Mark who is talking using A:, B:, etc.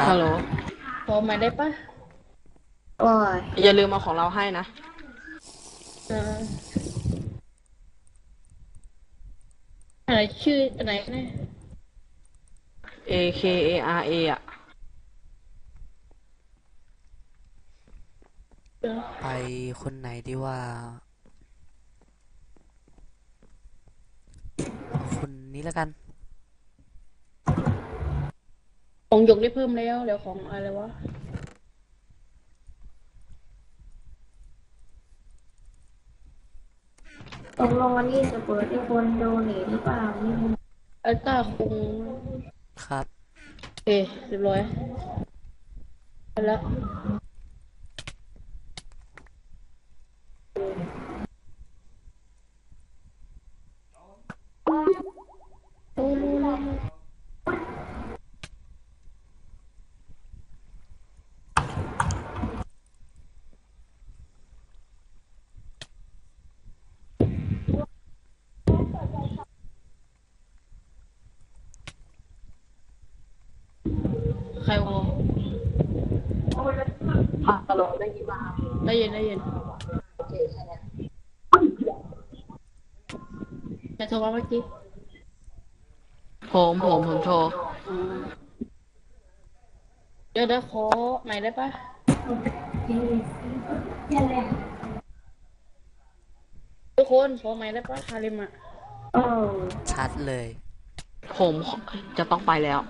A: ฮัลโหล
B: พอมาได้ปะ
C: โอ้ย
A: อย่าลืมเอาของเราให้นะ
B: เอออะไรชื่ออะไรนะ
A: AKARA อ่ะ
D: ไปคนไหนดีว่าเอาคนนี้แล้วกัน
B: ของหยกได้เพิ่มแล้วเดี๋ยวของอะไรวะ
C: ตกลงวันนี้จะเปิดให้คนโดเนทหรือเปล่านี่มัน
B: อัลต้าคง
D: ครับ
B: เอเรียบร้อยไปแล้วโอ้ใครวะ
A: ฮัลโหลได้ยินป่ะ
B: ได้ยินได้ยิน
A: โอเคแค่นี้
B: แต่โทรมาเมื่อกี้
A: ผมโทร
B: อ๋อเดี๋ยวขอใหม่ได้ปะทุกคนขอใหม่ได้ปะฮาริมอ่ะ
C: โอ้
D: ชัดเลย
A: ผมจะต้องไปแล้ว